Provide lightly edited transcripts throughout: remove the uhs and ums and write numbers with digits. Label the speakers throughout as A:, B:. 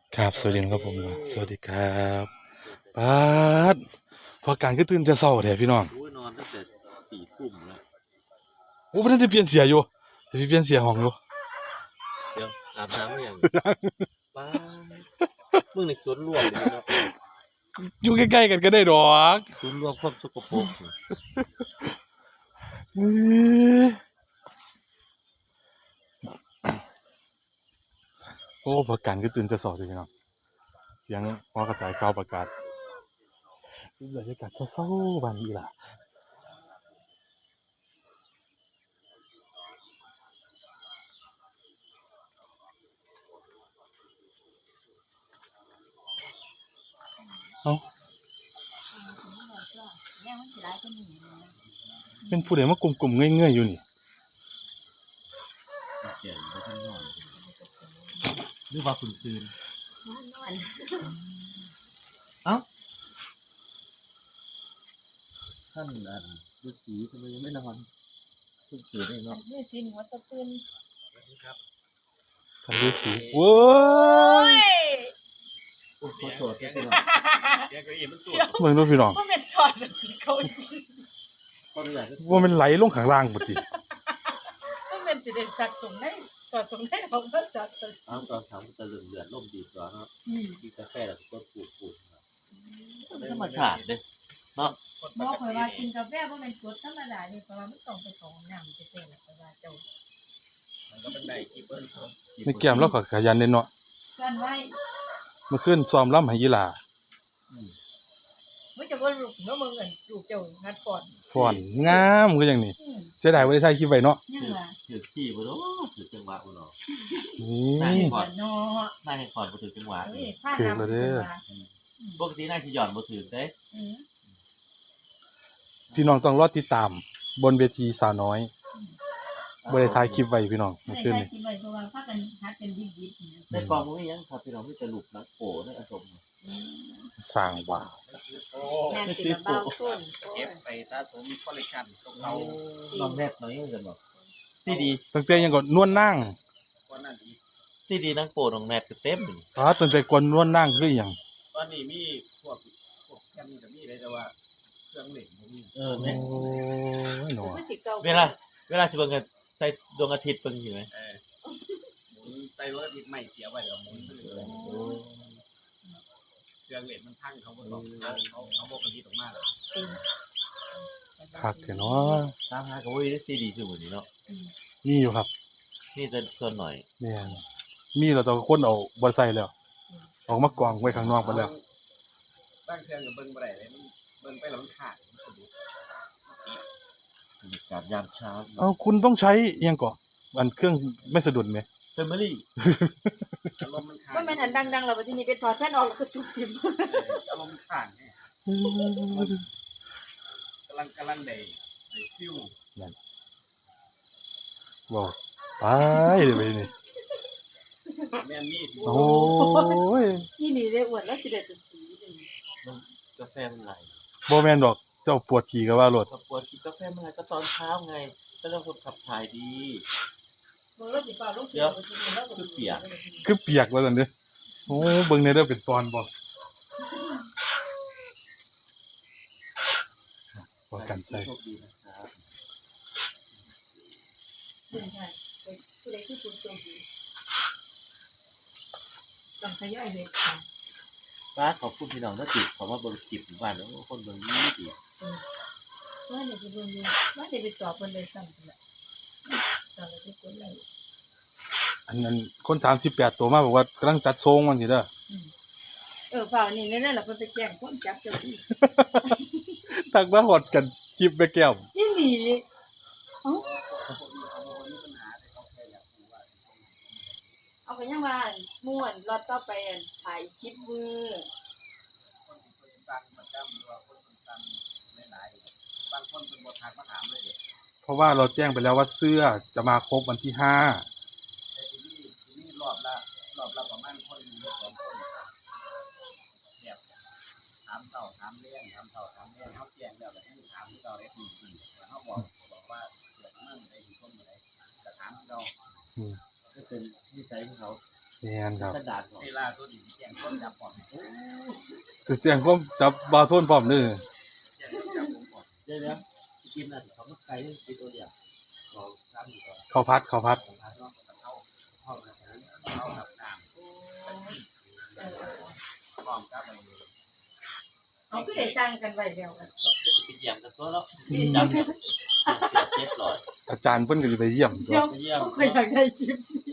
A: ครับสวัสดีครับผมสวัสดีครับปาดพอการก็ตื่นจะเศร้าแท้พี่น้อง
B: โอ้ยนอนตั้งแต่4 ทุ่มแล้ว
A: โอ้ไม่ได้เปลี่ยนเสียอยู่เดี๋ยวพี่เปลี่ยนเสียห้องอยู่
B: เดี๋ยวอาบน้ำหรือยังป้ามึงในสวนรวมเลยเนาะ
A: อยู่ใกล้ๆกันก็ได้ดอก
B: สวนรวมความสกปรก
A: เอ้ยโอ้พอการก็ตื่นจะเศร้าเลยพี่น้องเสียงพอกระจายข่าวประกาศบรรยากาศเศร้าๆบ้านนี้ล่ะเอ้าเป็นผู้ใดมากลุ่มๆเงื่อยๆอยู่นี่
B: เดี๋ยวไปข้างนอกหรือว่าคุณคืนเอ้าท่านฤาษีทำไมยังไม่นอนเพิ่งตื่นได้เนาะ
C: นี่สินหัวตะปืน
A: ท่านฤาษีเว้ย
B: โอ้ขอโทษที่เป็น
D: เสียงเก้าอี้มันสูง
A: เบิ่งดูพี่น้อง
C: ก็เป็นสอนแบบที่เขาดี
B: ขออนุญาต
A: ว่ามันไหลลงข้างล่างบ่ติ
C: ก็เป็นสิเด็ดสักสมได้ต่อสมได้ของพระจักร
B: เอาตอนเช้ามันจะเลือดล่มดีกว่าเนาะกินกาแฟแล้วก็ปูดธรรมชาติเด้เนาะ
C: หมอเผยว่ากินกาแฟบ่แม่นกรดธรรมดานี่เพราะว่ามันต้องไปของน้ำไปเต้นแล้วเพราะว่าเจ้า
D: มันก็เป็นได้กี่เปิ้ลครับ
A: ในแก้มเราก็ขยันเด้เนาะ
C: กันไว้
A: เมื่อคืนซ้อมรำให้ยีหล่า
C: บ่จะว่าลูกเนาะมึงอันลูกเจ้างัดฟอน
A: ฟ้อนงามคือหยังนี่เสียดายบ่ได้ถ่ายคลิปไว้เนาะ
C: ยังว่า
B: ถือขี้บ่เนาะถือจังหวะบ่เนาะ
A: นี่
C: เนาะ
B: น่าให้ขอนบ่ถือจังหวะ
C: เอ้ยผ้าน้ำ
B: ปกติน่าสิหย่อนบ่ถือเด้
A: พี่น้องต้องรอติดตาม บนเวทีสาวน้อยบ่ได้ถ่ายคลิปไว้พี่น้องเมื่อคืน
C: ใช่
A: นี่
C: คิดไว้เพราะว่าพากันหัดเป็นดิบๆ
B: ในกองมันมีหยังครับพี่น้องมีแต่ลูกนักโปในอสม
A: สร้างว่า
D: โอ้
C: แม่ติดเบาต้น
D: เก็บไปสะสมคอลเลกชันของเรา
B: น้องแนบน้อยจังบอกซีดี
A: ตั้งแต่ยังก็นวลนาง
D: ก่อนหน้านี้
B: ซีดีนังโปน้องแนบก็เต็มอยู่
A: ตั้งแต่ก่อนนวลนางคือหยัง
D: ตอนนี้มีพวกแคมก็มีเลยแต่ว่าเครื่องเล่นบ่มี
A: โอ้
B: เนี่ย
A: ยเนาะ
B: เวลาสิเบิ่งกันใส่ดวงอาทิตย์เบิ่งอยู่ไหม
D: หมุนใส่รถติดใหม่เสียไว้แล้วหมุนไปเรื่อยเครื่องเล่นมันพังเขาบ่สอนเขาบ่ผลิตออกมาแล้ว
A: คักแท้เนาะ
B: ตามหาก็บ่มีซีดีซุมื้อนี้เนาะ
A: มีอยู่ครับ
B: นี่แต่ส่วนหน่อย
A: แม่นมีแล้วแต่คนเอาบ่ใส่แล้วออกมากองไว้ข้างนอกหมดแล้ว
D: บางเครื่องก็เบิ่งบ่ได้เลยมันเบิ่งไปแล้วมันขาดมันสะดุด
B: บรรยากาศยามเช้า
A: เอาคุณต้องใช้อิหยังก่ออันเครื่องไม่สะดุดไหม
B: แฟมิลี่
D: อารมณ์มันขาด
C: ว่ามันอันดังๆเราไปที่นี่ไปถอดแผ่นออกแล้วก็ทุบทิ่ม
D: อารมณ์มันขาดเนี่ยกำลังได้ฟิว
A: บอกไปเดี๋ยวไปนี่
D: แม่นมีสิ
A: โอ้ย
C: นี่นี่ได้อวดแล้วสิได้เป็นสีเลย
B: กาแฟมันไหล
A: บ่แม่นดอกเจ้าปวดขี่ก็ว่ารถ
B: ก็ปวดกินกาแฟมันไหลก็ตอนเช้าไงก็ต้องคนขับถ่ายดี
C: มึงรถสิฟ้าลงสีไปที่นี่แล้วก็
B: คือเปียก
A: คือเปียกว่าซั่นเด้อโอ้เบิ่งในเด้อเป็นตอนบ่บ่กันใช่
B: โชคดีนะครับ
C: เป็นใช่ผู้ใดที่คุณโชคดีต้องขยายเลยค่ะ
B: ป้าขอบคุณพี่น้องที่ติดขอมาเบิ่งคลิปบ้านแล้วคนเบิ่งดี
C: ว่าเดี๋ยวไปเบิ่งดูว่าเดี๋ยวไปสอบเพิ่นเลยซ้ำนั่นแหละตอนเราไปกดไลค์
A: อันนั้นคนถาม18ตัวมาบอกว่ากำลังจัดทรงมันสิเด้อ
C: ฝ่านี่นั่นแหละเพิ่นไปแจ้งความจับเจ้าที่
A: ทักมาฮอดกันคลิปแม่แก้ว
C: นี่หลีเอ้าเอาไปยังว่าม่วนรอดต่อไปอันถ่ายคลิปมือ
D: คนที่เพิ่นสั่งประจำหรือว่าคนที่สั่งหลายๆบางคนเพิ่นบ่ทักมาถามเลยเด้
A: เพราะว่าเราแจ้งไปแล้วว่าเสื้อจะมาครบวันที่5
D: แต่ทีนี้รอบละประมาณคนหนึ่งหรือสองคนแบบถามเช้าถามเลี้ยงถามเช้าถามเลี้ยงเฮาแจ้งแล้วก็ให้ถามที่เราได้แล้วเฮาบอกว่าเกิดมั่งได้ที่คนบ่ได้ก็ถามที่เรา
A: อืม
B: ๆก็เป็นนิสัยของเขา
A: แม่นครับ
B: กระดาษก่อน
D: เวลาสุดอีกแจ้งต้นจับปอดโอ้
A: จะแจ้งความจับบาวโทนพร้อมเด้อ
D: แจ้งต้นจับผมปอด
B: เดี๋ยวกินน่ะเขาไม่ไกลติดตัวเดียวลองทำดูก่อน
A: ข้าวผัด
D: ผมพาน้องกับเข้าห้องอาหารเข้าหับน้ำพร้อมกับอะไร
C: เอาคือได้สร้างกันไว้แล้วกัน
B: จะไปเยี่ยมกันตัวแล้วจำเนี่ยเสียเจ็บหลอด
A: อาจารย์เพิ่นก็สิไปเยี่ยมตัว
C: เดี๋ยว
B: ไปเยี่ยม
C: เขาอยากได้คลิปนี้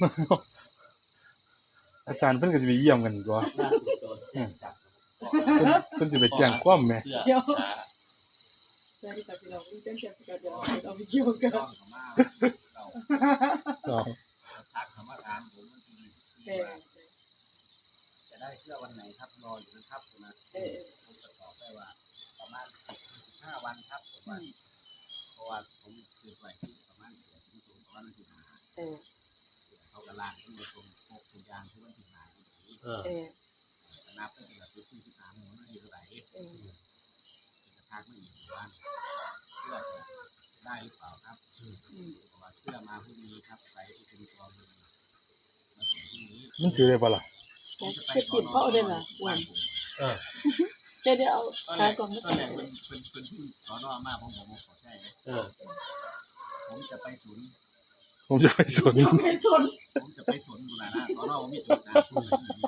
A: อาจารย์เพิ่นก็สิไปเยี่ยมกันตัว
B: ล่าสุดโดนแจ้งจับ
A: เพิ่นสิไปแจ้งความแหม
B: เสื้อช้า
C: สวัสดีครับพี่น้องนี่เป็นเจ้าเดี๋ยวเอาไปเที่ยวกัน
D: ต้องเขามาเรา
A: เอา
D: ทักคำว่าถามผมมันที
C: เออ
D: จะได้เสื้อวันไหนครับรออยู่นะครับนะ
C: เออ
D: ผมจะตอบได้ว่าประมาณ15 วันครับผมว่าเพราะว่าผมคือไว้ที่ประมาณเสียที่สูงประมาณวันที่5
C: เออ
D: เขากระลางที่มาตรงพกทุกอย่างที่วันที่5ที่
B: เออ
C: เออ
D: นับเป็นหลักที่15หมู่นั่นคือเท่าไหร่
C: เออ
D: จะทักไม่อีกวันเสื้อได้หรือเปล่าครับ
C: อืม
D: เพราะว่าเสื้อมาพรุ่งนี้ครับใส่ที่เป็นตัวมือมาส่งพรุ่งนี้
A: มันถือได้ปะล่ะ
C: จะปิดเขาเอาได้เหรออ้วน
B: เออ
C: เดี๋ยวเอา
D: ตอน
C: ขา
D: แรก
C: กล่องมา
D: ตอนแรกเป็นที่สอนอมาผมขอใช่เลย
B: เออ
D: ผมจะไปศูนย์
A: ผมจะไปสวน
C: ไม่สน
D: ผมจะไปสวนบุรณะสอนอผมมีจุดนะผม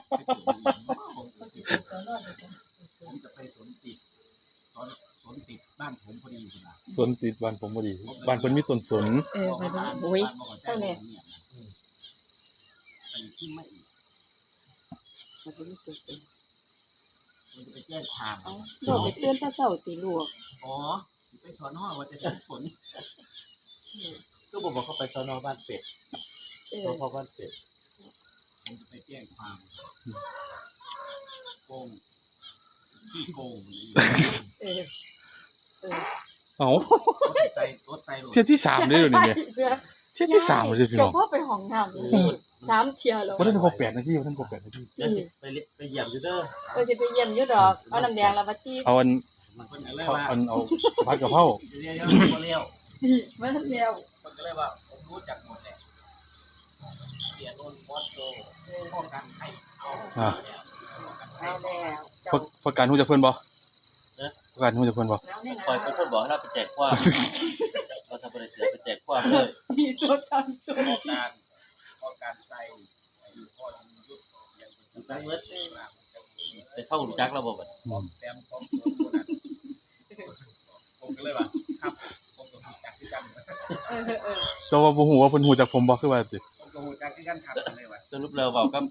D: จะไปสวนติดสวนติดบ้านผมพอดีคุณนะ
A: สวนติดบ้านผมพอดีบ้านเพิ่นมีต้นสน
C: เออไปดูโอ้ย
D: เท่านี้ไปที่ไม่อีก
C: มันเป็นตัวเอง
D: ผมจะไปแจ้งความ
C: เอาเราไปเตือนตาเศร้าตีลูก
D: อ๋อไปสอนอว่าจะใช้สน
B: ก็บอกว่าเขาไปสอนอบ้านเป็ด
C: เออ
B: เพราะบ้านเป็ด
D: ผมจะไปแจ้งความโกงขี้โกง
C: เออเออ
A: เอ้าร
D: ถใส่
A: เที่ยที่3เด้อเดี๋ยวนี้แม่เที่ยที่3เลยพี่น้
C: เจ้า
A: อง
C: พ่อไปห้องน้ำเลย3 เที่ยวแล้ว
A: บ่ได้ครบ8นาทีบ่ทันครบ8นาที
B: เดี๋ยวสิไปเยี่ยมอยู่เด้อ
C: ก็สิไปเยี่ยมอยู่ดอกเอาน้ำแดงแล้วมาจี้
A: เอาอัน
D: มันคนก็เลย
A: เอา
D: ว่า
A: อันเอาผัดกะเพรา
D: เรียว
C: มาแล้ว
D: มันก็เลยว่าผมรู้จักหมดแหละเสียโดนบอสโจป้องกันไข่เอา
A: อ่า
C: เอาแล้ว
A: ประกันฮู้จักเพิ่นบ่ประกันฮู้จักเพิ่นบ่
C: แล้วนี่นะ
B: คอยเป็นคนบอกให้เราไปแจกความเราทำบริษัทไปแจกความเลย
C: มีตัวตามตัว
D: ป้องกันใส่พ่อยุทธยังเป็น
B: ตั้งเมื่อไปเข้าหูจักระบบอ่ะ
D: แซมพร้อมตัวนั้นผมก็เลยว่าครับผมก็รู้จักที่กัน
C: เออ
A: แต่ว่าบ่ฮู้ว่าเพิ่นฮู้จักผมบ่คือว่าติ
D: ผมก็รู้จักที่กันครับเลยว่า
B: สรุปเราบอกกับ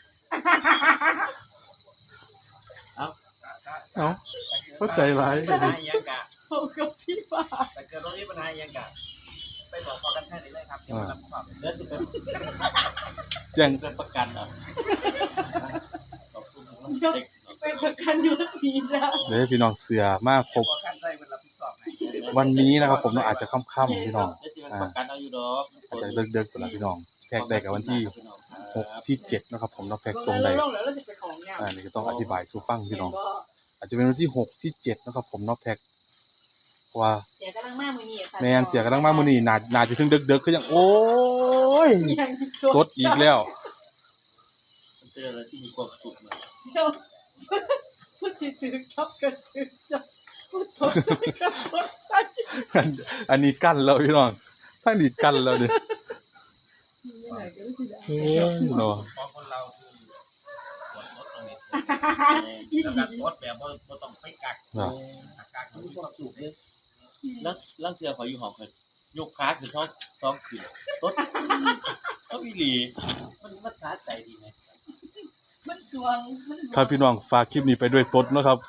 A: เอ้าเข้าใจหลาย
D: ปัญหายังกะ
C: เขากับพี่ว่า
D: แต่เกิดตรงนี้ปัญหายังกะไปบอกพอกันใช่เลยครับเดี๋ยวรับสอบ
B: เดี๋ยวสิเป็น
A: แจ้ง
B: เป็นประกันอ่ะขอบคุณเด็ก
C: เป็นประกันอยู่ดีนะ
A: เด้อพี่น้องเสือมาครบ
D: พอกันใช่มันรับสอบไหน
A: วันนี้นะครับผมเนาะอาจจะค่ำๆพี่น้อง
B: เดี๋ยวสิเป็นประกันเอาอยู่ดอก
A: อาจจะเดึกๆพุ่นล่ะพี่น้องแพ็กได้กับวันที่6ที่7นะครับผมเนาะแพ็กส่งได้
C: ลงแล้วเราจะไปของงาน
A: นี่ก็ต้องอธิบายสู่ฟังพี่น้อง อาจจะเป็นวันที่6ที่7นะครับผมเนาะแพ็กว่า
C: เสียกำลังมากมือนี่ค่ะ
A: แม่นเสียกำลังมามื้อนี้น่าจะถึงดึกๆคือจังโอ้ยกดอีกแล้ว
B: มันเป็นอะไรที่มีความสุขมาก
C: เดี๋ยวพูดสิถือครับกันถือจับพูดตกใจกับตกใจ
A: อันนี้กั้นแล้วพี่น้องทั้งนี้กั้นแล้วดิ
C: นี่ไหนก็ไม่ได้
A: โอ้ยเนาะ
D: พอคนเราคือปวดรถตรงนี้
C: อี
D: แล้ว
C: ดี
D: ก็รถแบบว่าต้องไปกัก
A: เนาะ
D: กัก
B: มีความสุขเลยแล้วเสือขออยู่หอมกันยกขาคือท้องขึ้นต้นก็วิลีมันสาใจดีไหม
C: มันสวงมัน
A: ครับพี่น้องฝากคลิปนี้ไปด้วยตดเนาะครับ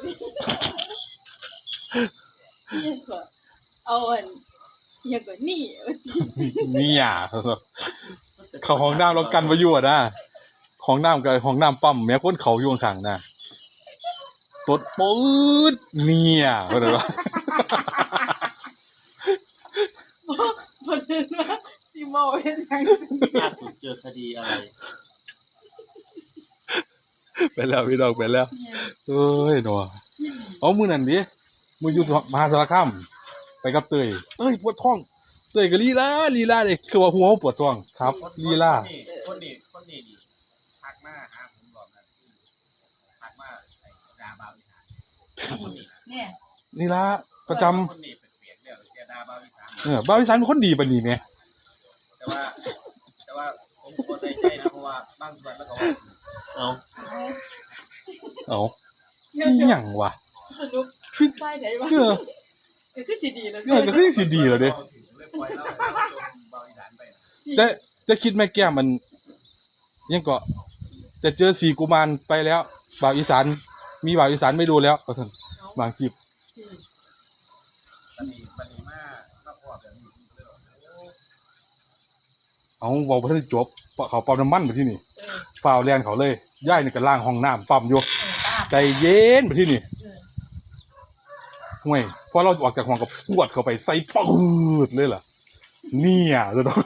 C: ยังก็เอาอันยังก็นี่
A: เนี่ยเข้าห้องน้ำเรากันไว้อยู่อ่ะนะห้องน้ำกับห้องน้ำปั๊มแม้คนเขาอยู่ข้างๆนะตดปื๊ดเนี่ยเข้าใจปะ
C: เพราะฉะนั้นว่าสิเมาเฮ็ดหยัง
B: ล่าสุดเจอคดีอะไร
A: ไปแล้วพี่น้องไปแล้วเอ้ยเนาะเอามื้อนั้นดิมื้ออยู่มหาสารคามไปกับเต้ยปวดท้องเต้ยก็ลีลาเด้คือว่าหัวปวดท้องครับลีลา
D: คนนี้หาผมรอบนั้นทักมาไอ้ดาบาวอีสานคนนี้
C: เนี่ย
A: นี่ละประจำ
D: คนนี้เป็นเปลี่ยนแล้วแต่ดาบาวอีสาน
A: บ้าวอีสานเป็นคนดีปานนี้แหม
D: แต่ว่าผมก็ใจใจนะเพราะว่าบางส่วนแล้วก็ว่า
B: เอา
A: เอ้า
C: เดี๋ยว
A: อี
C: จะ
A: หยังวะ
C: สรุป
A: สิ
C: ไปไหนวะ
A: เจอ
C: ก็คือสิดีแล้ว
A: เออก็คือสิดีแล้วเด้
D: เลยปล่อยแล้วจนบาวอีสานไปนะ
A: แต่จะคิดแม่แก้มมันยังก็จะเจอสีกุมารไปแล้วบ่าวอีสานมีบ่าวอีสานไม่ดูแล้วก็ท่านบางคลิป
D: มันมีมากพอแบบนี้เลย
A: เอาเว้าบ่ทันได้จบเพราะเขาปั๊มน้ำมันไปที่นี่
C: เออ
A: ฝ่าวแลนเขาเลยย่ายนี่ก็ล้างห้องน้ำปั๊มอยู่
C: เออตาม
A: ใจเย็นไปที่นี่
C: เออ
A: ห่วยพอเราออกจากห้องก็พวดเข้าไปใส่ปืดเลยล่ะเนี่ยจะต้อง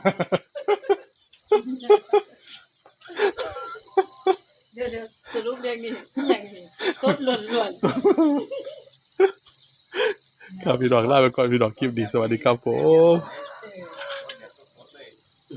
C: เดี๋ยวสรุปเรื่องนี้อย่างนี้สดล้วน
A: ครับพี่ดอกลาไปก่อนพี่ดอกคลิปดีสวัสดีครับผม
D: เ